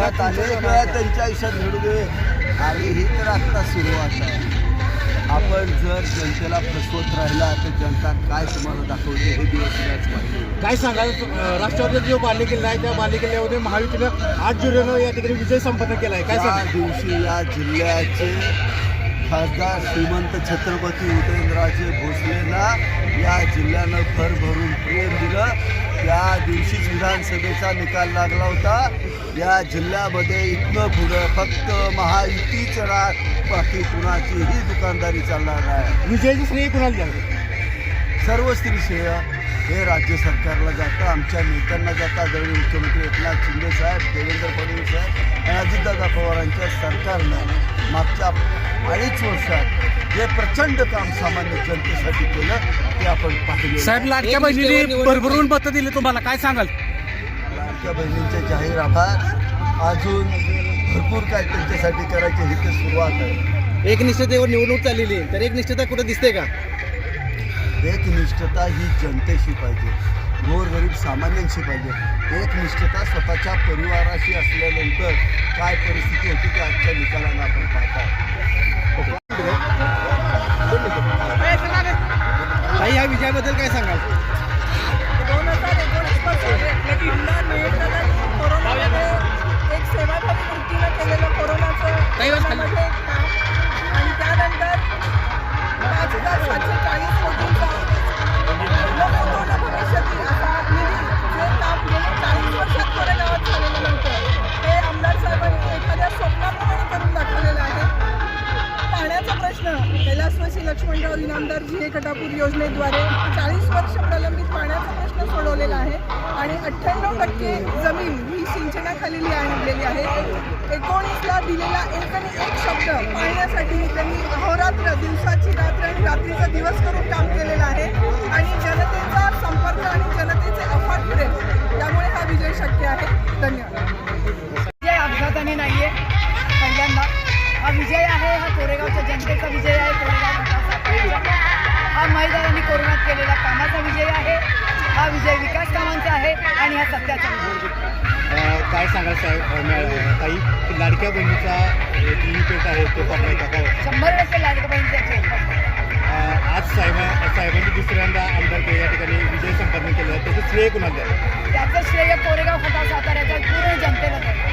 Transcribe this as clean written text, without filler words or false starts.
आयुष्यात अनेक वेळा त्यांच्या आयुष्यात घडू दे आणि ही तर आत्ता सुरुवात आहे. आपण जर जनतेला फसवत राहिला तर जनता काय तुम्हाला दाखवते हे दिवस याच पाहिजे. काय सांगाल राष्ट्रवादीचा जो बालेकिल्ला आहे त्या बालेकिल्ल्यामध्ये महायुतीनं 8 जुलैनं या ठिकाणी विजय संपन्न केला आहे. काय त्या सांगाल? दिवशी या जिल्ह्याचे खासदार श्रीमंत छत्रपती उदयनराजे भोसलेंना या जिल्ह्यानं भरभरून प्रेम दिलं. त्या दिवशीच विधानसभेचा निकाल लागला होता. या जिल्ह्यामध्ये इथनं पुढं फक्त महायुतीच बाकी कुणाचीही दुकानदारी चालणार नाही. विजयाचं श्रेय कुणाला द्यावं? सर्व स्त्री श्रेय हे राज्य सरकारला जातं, आमच्या नेत्यांना जातं. आदरणीय मुख्यमंत्री एकनाथ शिंदे साहेब, देवेंद्र फडणवीस साहेब आणि अजितदादा पवारांच्या सरकारनं मागच्या 2.5 वर्षात जे प्रचंड काम सामान्य जनतेसाठी केलं ते आपण पाहिलं. साहेब लाडक्या बहिणीने भरभरून मतं दिली तुम्हाला, काय सांगाल? लाडक्या बहिणींचे जाहीर आभार. अजून भरपूर काय त्यांच्यासाठी करायचे ही तर सुरुवात आहे. एकनिष्ठतेवर निवडणूक चाललेली आहे तर एकनिष्ठता कुठं दिसते का? एकनिष्ठता ही जनतेशी पाहिजे, गोरगरीब सामान्यांशी पाहिजे. एकनिष्ठता स्वतःच्या परिवाराशी असल्यानंतर काय परिस्थिती होती ते आजच्या निकालानं आपण पाहता. ताई, या विजयाबद्दल काय सांगाल? 2019 पासून जिल्हा नियंत्रणाने कोरोनामध्ये एक सेवाभावी वृत्तीनं केलेलं कोरोनाचं कामामध्ये काम आणि त्यानंतर 5,740 कोटींचा लोकपूर्ण भविष्यातील असा निधी जे काम गेल्या 40 वर्षात कोरेगावात झालेलं नव्हतं ते आमदार साहेबांनी एखाद्या स्वप्नाप्रमाणे करून दाखवलेलं आहे. पाण्याचा प्रश्न कैलासवासी लक्ष्मणराव इनामदार जी कटापूर योजनेद्वारे 40 वर्ष प्रलंबित पाण्याचा प्रश्न सोडवलेला आहे आणि 98% जमीन ही सिंचनाखाली आणलेली आहे. 19ला दिलेला एक शब्द पाण्यासाठी त्यांनी अहोरात्र, दिवसाची रात्र आणि रात्रीचा दिवस करून काम केलेलं आहे आणि जनतेचा संपर्क आणि जनतेचे अफाट प्रेम यामुळे हा विजय शक्य आहे. धन्यवाद. विजय अपघाताने नाही आहे, पहिल्यांदा हा विजय आहे. हा कोरेगावच्या जनतेचा विजय आहे. कोरेगाव विकासाचा हा महिलांनी कोरोनात केलेल्या कामाचा विजय आहे. हा विजय विकास कामांचा आहे आणि हा सत्याचा विजय. काय सांगाल साहेब ताई, की लाडक्या बहिणीचा जी पेट आहे तो पडलाय का? काय 100% लाडक्या बहिणीचे आज साहेबांनी दुसऱ्यांदा आमदार या ठिकाणी विजय संपन्न केला, त्याचं श्रेय कुणाला द्याल? त्याचं श्रेय कोरेगाव खटा साताऱ्याच्या पूर्ण जनतेला द्यावं.